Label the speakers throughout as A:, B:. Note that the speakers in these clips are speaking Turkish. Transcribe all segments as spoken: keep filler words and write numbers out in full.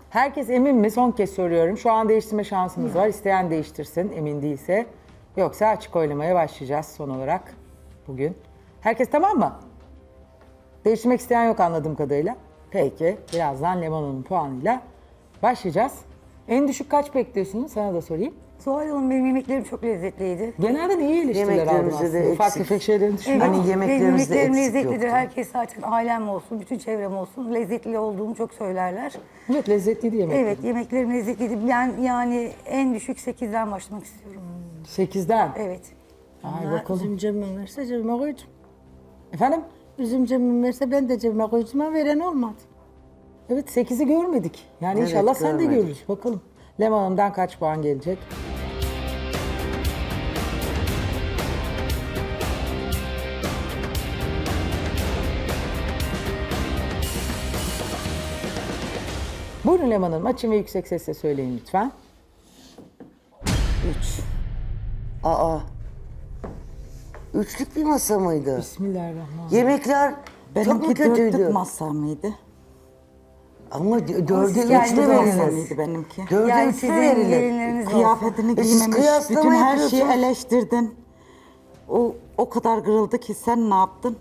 A: Herkes emin mi? Son kez soruyorum. Şu an değiştirme şansımız var. İsteyen değiştirsin emin değilse. Yoksa açık oylamaya başlayacağız son olarak bugün. Herkes tamam mı? Değiştirmek isteyen yok anladığım kadarıyla. Peki. Birazdan Leman Hanım'ın puanıyla başlayacağız. En düşük kaç bekliyorsunuz? Sana da sorayım.
B: Zuhal Hanım benim yemeklerim çok lezzetliydi.
A: Genelde iyi eleştiriler aldım
C: Yemeklerimizde de
A: aslında. Ufak
C: eksik.
A: tefek şeylerini düşünüyorum.
B: Evet,
C: Hani
B: benim
C: yemeklerimizde
B: yemeklerim
C: eksik
B: lezzetlidir.
C: yoktu.
B: Herkes zaten ailem olsun, bütün çevrem olsun lezzetli olduğumu çok söylerler.
A: Evet lezzetliydi yemekler.
B: Evet, yemeklerim lezzetliydi. Ben yani en düşük sekizden başlamak istiyorum.
A: sekizden.
B: Evet.
A: Ay bakalım.
D: Üzüm cebime verse cebime koydum.
A: Efendim?
D: Üzüm cebime verse ben de cebime koydum ama veren olmadı.
A: Evet sekizi görmedik. Yani
C: Evet,
A: inşallah sen de
C: görmedik.
A: görürüz. Bakalım. Leman Hanım'dan kaç puan gelecek? Buyurun Leman Hanım. Açın ve yüksek sesle söyleyin lütfen.
C: Üç. Aa. Üçlük bir masa mıydı?
A: Bismillahirrahmanirrahim.
C: Yemekler çok mu
E: Benimki
C: kötüydü?
E: dörtlük masa mıydı?
C: Ama d- dörde
B: siz
C: üç
B: kendi
C: mü
B: masa
C: verilir?
E: Masamıydı benimki.
C: Dörde
B: Yani
C: üç mü
B: sizin
C: verilir?
B: gelinleriniz olsun.
E: Kıyafetini
C: E siz
E: giymemiş,
C: kıyaslama
E: bütün her şeyi
C: yapıyorsunuz.
E: eleştirdin. O o kadar kırıldı ki sen ne yaptın?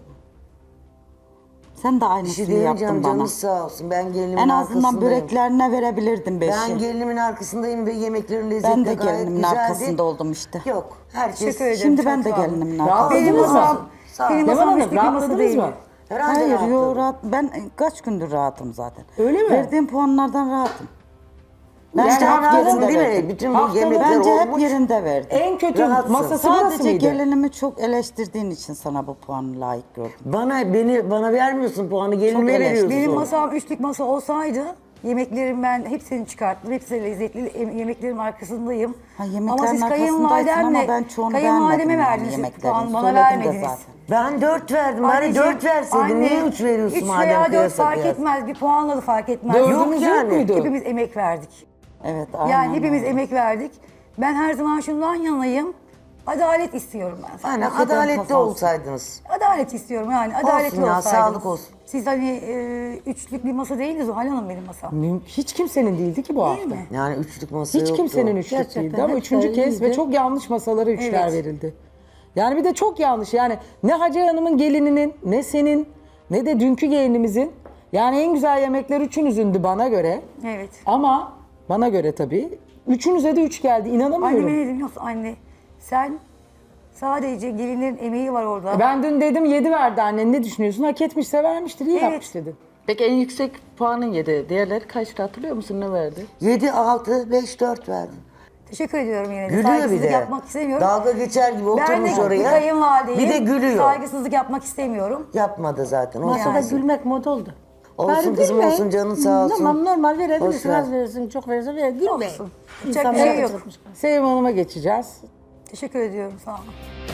E: Sen de
C: Bir şey
E: aynısını
C: diyemeyeceğim,
E: yaptın bana.
C: canınız sağ olsun. Ben gelinimin
E: En azından
C: arkasındayım.
E: böreklerine verebilirdin beşi.
C: Ben gelinimin arkasındayım ve yemeklerin lezzeti
E: Ben de
C: gayet
E: gelinimin
C: güzeldi.
E: arkasında oldum işte.
C: Yok. Herkes...
B: Teşekkür ederim.
E: Şimdi
B: çok
E: ben de
B: sağ olun.
E: gelinimin
A: Rahat
E: arkasında.
B: Benim
A: Rahatladınız mı?
B: masam,
C: Sağ ol.
B: benim
A: Leman
B: masam
A: Hanım
B: üçlük bir masa
A: rahatladınız
B: değil.
A: mı?
C: Herhalde
E: Hayır,
C: rahatladım.
E: yo, rahat. Ben kaç gündür rahatım zaten.
A: Öyle mi?
E: Verdiğim puanlardan rahatım.
C: Ben
A: Yani
C: işte
A: haftanın
C: rahatım değil mi?
E: verdim.
C: Bütün bu
A: Haftanın
C: yemekler
E: Bence hep
C: olmuş.
E: yerinde verdim.
A: En kötü
C: Rahatsın.
A: masası burası
E: Sadece
A: mıydı?
E: gelinimi çok eleştirdiğin için sana bu puanı layık gördüm.
C: Bana beni bana vermiyorsun puanı, gelinime
E: eleştiri.
C: veriyorsun.
B: Benim masam üçlük masa olsaydı yemeklerim ben hepsini çıkarttım. Hepsi de lezzetli. Em- Yemeklerim arkasındayım.
E: Ha, yemeklerin
B: ama siz
E: arkasındaysın ama
B: kayınvalidemle,
E: ben çoğunu
B: kayınvalideme
E: beğenmedim yani
B: verdiniz
E: yemeklerini.
B: puan, bana
E: Söyledim de
B: vermediniz.
E: zaten.
C: Ben dört verdim. Bari
B: Anneciğim,
C: dört verseydin.
B: anne,
C: Niye üç veriyorsun
B: üç
C: madem
B: veya dört
C: kıyasa
B: fark
C: kıyas?
B: etmez. Bir puanla da fark etmez.
A: Dördünüz
C: Yok
A: yok
C: yani.
A: muydu?
B: Hepimiz emek verdik.
E: Evet, aynen.
B: Yani hepimiz
E: öyle.
B: emek verdik. Ben her zaman şundan yanayım. Adalet istiyorum ben.
C: Aynen,
E: Hakikaten
C: adaletli
E: kazansın.
C: olsaydınız.
B: Adalet istiyorum yani. Adaletli
C: ya,
B: olsaydınız.
C: sağlık olsun.
B: Siz hani e, üçlük bir masa değildi Zuhal Hanım benim masam.
A: Müm- Hiç kimsenin değildi ki bu
B: Değil
A: hafta.
B: mi?
C: Yani üçlük masa
A: Hiç
C: yoktu.
A: kimsenin üçlük
D: Gerçekten
A: değildi ama
D: hep
A: üçüncü
D: de
A: kez ve
D: iyiydi.
A: çok yanlış masalara üçler
B: Evet.
A: verildi. Yani bir de çok yanlış yani ne Hacı Hanım'ın gelininin ne senin ne de dünkü gelinimizin yani en güzel yemekler üçünüzündü bana göre.
B: Evet.
A: Ama bana göre tabii üçünüze de üç geldi inanamıyorum.
B: Anneme ne dedim biliyor musun? Anne sen sadece gelinlerin emeği var orada.
A: Ben dün dedim yedi verdi annen ne düşünüyorsun? Hak etmişse vermiştir iyi
B: Evet.
A: yapmış dedim.
F: Peki en yüksek puanın yedi. Diğerleri kaçtı hatırlıyor musun? Ne verdi?
C: Yedi, altı, beş, dört verdim.
B: Teşekkür ediyorum yine de.
C: Gülüyor bir
B: Saygısızlık
C: de.
B: yapmak istemiyorum.
C: Dalga geçer gibi
B: ben
C: oturmuş
B: de
C: oraya.
B: kayınvalideyim.
C: Bir de gülüyor.
B: Saygısızlık yapmak istemiyorum.
C: Yapmadı zaten. Olsun.
D: Masada
B: Yani.
D: gülmek mod oldu.
C: Olsun
D: Bari
C: kızım,
D: gülmeyin.
C: olsun, canın sağ olsun.
D: Tamam normal
C: Boş
D: verebilirsin.
C: ver.
D: Az verirsin, çok verirsin. Ver, gülmeyin.
B: Olsun. Yapacak bir
D: İnsanlar
B: şey yok.
D: acıkmış.
A: Sevim Hanım'a geçeceğiz.
B: Teşekkür ediyorum sağ olun.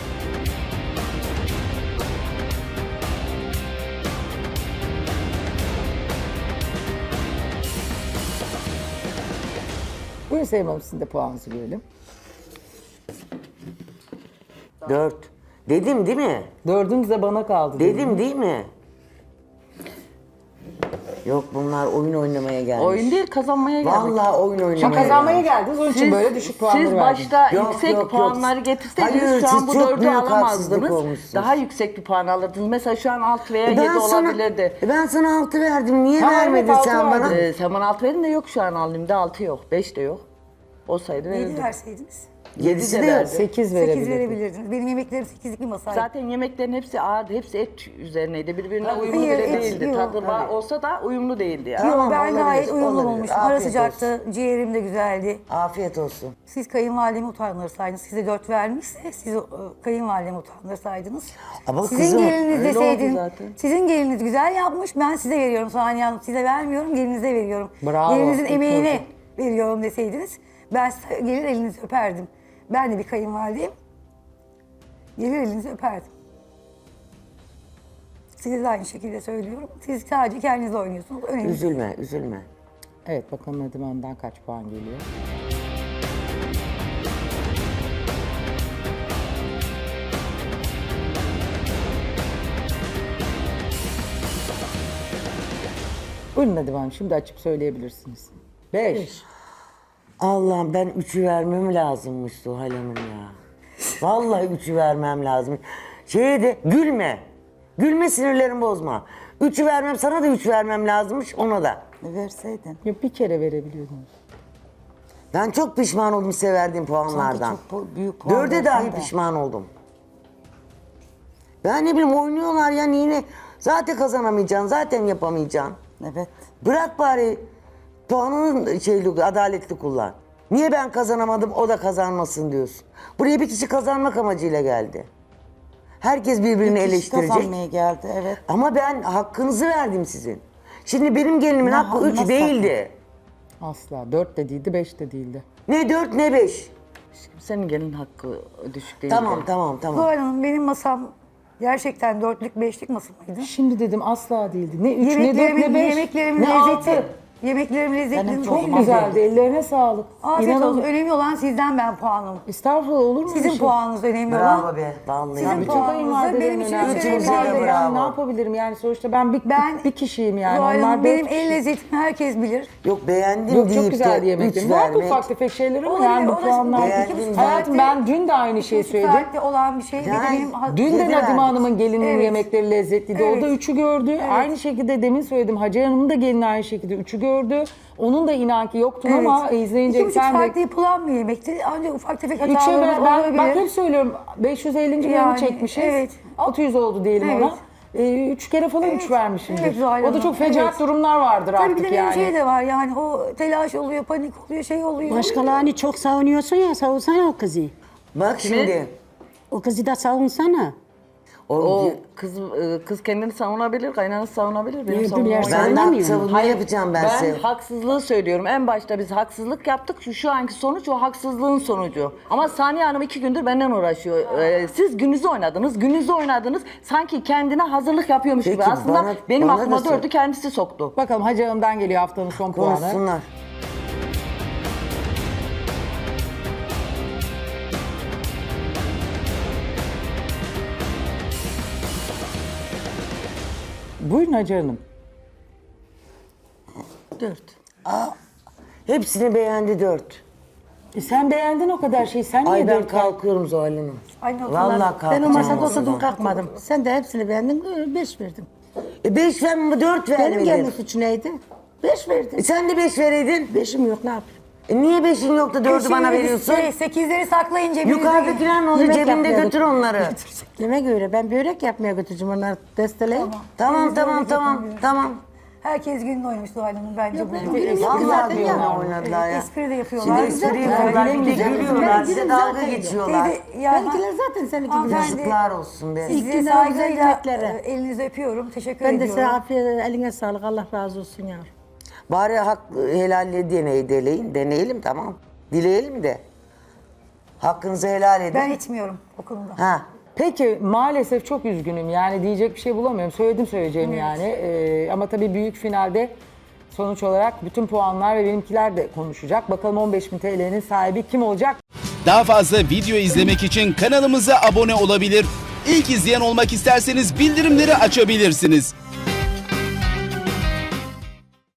A: Buyurun Sevim Hanım sizin de puanınızı görelim.
C: Dört. Dedim değil mi?
A: Dördünüz de bana kaldı. dedim.
C: Dedim değil mi? Yok, bunlar oyun oynamaya gelmiş.
F: Oyun değil kazanmaya geldik.
C: Vallahi oyun oynamaya
A: Şu kazanmaya
C: gelmiş.
A: geldiniz onun için böyle düşük puanları
F: siz
A: verdiniz.
F: başta
C: Yok,
F: yüksek
C: yok, yok.
F: puanları getirseydiniz
C: Hayır,
F: şu an
C: siz
F: bu
C: çok
F: dördü
C: büyük haksızlık
F: alamazdınız.
C: olmuşsunuz.
F: Daha yüksek bir puan alırdınız. Mesela şu an altı veya
C: E
F: yedi
C: sana,
F: olabilirdi.
C: e ben sana altı verdim. Niye
A: Tamam,
C: vermedin
A: evet, altı
C: sen bana?
A: verdim.
F: Ee, sen bana altı verin de yok şu an halimde altı yok. Beş de yok. Olsaydı
B: Yedi
F: verirdim.
B: verseydiniz.
C: Yedisi
F: de
C: de yok.
F: verdi.
A: Sekiz
B: Sekiz
A: verebilirdim.
B: verebilirdiniz. Benim yemeklerim sekizlik bir masaydı.
F: Zaten yemeklerin hepsi ağırdı. Hepsi et üzerineydi. Birbirine
C: Tabii.
F: uyumlu
B: Hayır,
F: bile
B: et
F: değildi.
B: yok.
F: Tadı var olsa da uyumlu değildi yani.
B: Yok,
C: Tamam,
B: ben
C: olabilir,
B: gayet uyumlu
C: olabilir.
B: bulmuşum. Ara
C: Afiyet
B: sıcaktı, ciğerim de güzeldi.
C: Afiyet olsun.
B: Siz kayınvalidemi utandırsaydınız, size dört vermişse siz o, kayınvalidemi utandırsaydınız.
C: Ama
B: sizin
C: kızım,
B: geliniz
F: öyle
B: deseydin,
F: oldu zaten.
B: sizin geliniz güzel yapmış, ben size veriyorum Saniye Hanım, size vermiyorum, gelinize veriyorum.
A: Bravo,
B: Gelinizin
A: iyi
B: emeğine
A: oldu.
B: veriyorum deseydiniz, ben size gelir elinizi öperdim. Ben de bir kayınvalideyim, gelir elinizi öperdim. Size de aynı şekilde söylüyorum. Siz sadece kendiniz oynuyorsunuz. Önemli. değil.
C: Üzülme, üzülme.
A: Evet bakalım Nedim Hanım'dan kaç puan geliyor. Buyurun Nedim Hanım şimdi açıp söyleyebilirsiniz. Beş.
C: Allah'ım ben üçü vermem lazımmış Zuhal Hanım ya. Vallahi üçü vermem lazım. Şeye de gülme. Gülme, sinirlerimi bozma. Üçü vermem, sana da üç vermem lazımmış, ona da.
E: E, verseydin.
A: Yok, bir kere verebiliyordunuz.
C: Ben çok pişman oldum size verdiğim puanlardan.
E: Çok pu- büyük puan
C: Dörde
E: verdin
C: dahi
E: de.
C: pişman oldum. Ben ne bileyim, oynuyorlar ya, yine zaten kazanamayacaksın, zaten yapamayacaksın.
E: Evet.
C: Bırak bari puanını şeyli, adaletli kullan. Niye ben kazanamadım, o da kazanmasın diyorsun. Buraya bir kişi kazanmak amacıyla geldi. Herkes birbirini
E: Bir kişi
C: eleştirecek.
E: kazanmaya geldi, evet.
C: Ama ben hakkınızı verdim sizin. Şimdi benim gelinimin
E: Ne-
C: hakkı üç
E: nasıl
C: değildi.
A: Asla. Dört de değildi, beş de değildi.
C: Ne dört ne beş.
F: Senin gelin hakkı düşük değil.
C: Tamam tamam tamam.
B: Zuhal Hanım benim masam gerçekten dörtlük beşlik masa mıydı?
A: Şimdi dedim asla değildi. Ne üç, ne dört,
B: Yemeklerimin,
A: ne beş,
B: yemeklerimin
A: ne
B: lezzeti.
A: altı.
B: Yemeklerimin lezzetli.
E: Benim
A: Çok
E: Çok
A: güzeldi. Ellerine sağlık.
B: Afiyet
A: İnanılmaz.
B: olsun. Önemli olan sizden ben puanım.
A: Estağfurullah, olur mu?
B: Sizin
A: öyle şey?
B: puanınız önemli olan.
C: Bravo be vallahi.
B: Sizin
A: Bütün
B: puanınızı
A: kayınvalidelerin
B: benim için
A: önemli.
B: hiç
C: Üçünüze
B: önemli
C: de
B: değil.
C: bravo.
A: Yani ne yapabilirim yani, sonuçta ben bir,
B: Ben
A: bir, bir kişiyim yani.
B: Zuhal
A: Onlar
B: Hanım,
A: dört
B: benim
A: kişi.
B: el lezzetimi herkes bilir.
C: Yok beğendim
A: Yok,
C: deyip
A: çok güzel
C: de
A: yemekler.
C: üç
A: Var
C: vermek.
A: ufak tefek şeyler ama
B: Olabilir,
A: yani bu
B: o da
A: puanlar.
B: şimdi
C: Beğendim
B: iki buçuk
A: Hayatım,
B: saatte-
A: ben dün de aynı şeyi
B: iki buçuk
A: söyledim.
B: saatte olan bir şey. Bir de
C: Yani
B: benim ha-
A: Dün de
C: Yedi
A: Nadime
C: verdik.
A: Hanım'ın gelininin
B: Evet.
A: yemekleri lezzetliydi. O da
B: Evet.
A: üçü gördü. Aynı şekilde demin söyledim. Hacer Hanım'ın da gelini aynı şekilde üçü gördü. Onun da inan ki yoktum
B: Evet.
A: ama izleyince
B: İki buçuk
A: sen de...
B: saatte yapılan bir yemekti. Ancak ufak tefek
A: Üçe
B: hatalarımız
A: ben, ben
B: olabilir.
A: bak hep söylüyorum, beş yüz ellinci bölümü
B: Yani,
A: çekmişiz.
B: evet.
A: altı yüz oldu diyelim
B: Evet.
A: ona. Ee, üç kere falan
B: Evet.
A: üç vermişimdir.
B: Evet, Zuhal
A: o da
B: Hanım,
A: çok fecaat
B: evet.
A: durumlar vardır
B: Tabii bir
A: artık
B: de benim
A: yani.
B: şey de var yani o telaş oluyor, panik oluyor, şey oluyor.
D: Başkalarını çok savunuyorsun ya, savunsana o kızı.
C: Bak şimdi.
D: O kızı da savunsana.
C: O,
F: O kız e, kız kendini savunabilir, kaynanası savunabilir. Benim
D: Niye
F: savunmam
D: bilersen?
F: yok.
C: ben de
D: Savunamıyor mu?
C: savunma yapacağım ben,
F: Ben
C: size.
F: haksızlığı söylüyorum. En başta biz haksızlık yaptık. Şu, şu anki sonuç o haksızlığın sonucu. Ama Saniye Hanım iki gündür benden uğraşıyor. Ee, siz gününüzü oynadınız, gününüzü oynadınız. Sanki kendine hazırlık yapıyormuş
C: Peki,
F: gibi. Aslında
C: bana-
F: benim
C: bana da
F: aklıma
C: sor.
F: dördü kendisi soktu.
A: Bakalım Hacer Hanım'dan geliyor haftanın son puanı.
C: Konuşsunlar.
A: Buyurun Hacer Hanım.
D: Dört.
C: Hepsini beğendi dört.
A: E sen beğendin o kadar şeyi. Sen niye
C: Ay ben
A: dört ver-
C: kalkıyorum Zuhal Hanım.
B: Aynı
C: Vallahi
B: oturlar.
C: kalkacağım.
D: Ben o masada
C: masadan.
D: oturdum kalkmadım. Sen de hepsini beğendin, beş verdin.
C: E beş vermem, dört
D: Benim
C: vermedin.
D: gelinin suçu neydi? Beş
C: E
D: verdin.
C: sen de beş vereydin.
D: Beşim yok, ne yapayım?
C: E niye beşin yoktu, dördü bana veriyorsun?
B: Şey, sekizleri saklayın cebinizde.
C: Yukarıdakiler ne oluyor?
D: Yemek
C: Cebinde
D: yapmaya
C: götür onları.
D: Yemek öyle. Ben börek yapmaya götüreceğim, onları desteleyin.
C: Tamam
B: Elinizde
C: tamam
B: öyle
C: tamam
B: yapın.
C: tamam.
B: Herkes gününü oynamış Zuhal Hanım bence
D: Yok,
B: bu.
D: benim günüm yok
C: Vallahi
D: zaten
C: gününü
D: ya.
C: oynadılar ya.
B: Espri de
C: Şimdi
B: yapıyorlar.
C: espri
B: Güzel.
C: yapıyorlar, bir de
D: güzel.
C: gülüyorlar,
D: Benim
C: size
D: günüm
C: dalga
D: zaten yok.
C: geçiyorlar.
B: Teyze, ya,
D: Benimkiler zaten seninki gibi.
B: Hanımefendi,
C: Yazıklar olsun be.
D: İlk
B: Size
D: günden
B: saygıyla
D: güzel yemeklere.
B: e, elinizi öpüyorum. Teşekkür
D: Ben de
B: ediyorum.
D: size afiyet, eline sağlık. Allah razı olsun yavrum.
C: Bari hak helalle deney, deneyin, deneyelim tamam. Dileyelim de. Hakkınızı helal edin.
B: Ben içmiyorum o konuda.
C: Ha.
A: Peki maalesef çok üzgünüm yani diyecek bir şey bulamıyorum. Söyledim söyleyeceğimi yani. Ee, ama tabii büyük finalde sonuç olarak bütün puanlar ve benimkiler de konuşacak. Bakalım on beş bin T L'nin sahibi kim olacak?
G: Daha fazla video izlemek için kanalımıza abone olabilir. İlk izleyen olmak isterseniz bildirimleri açabilirsiniz.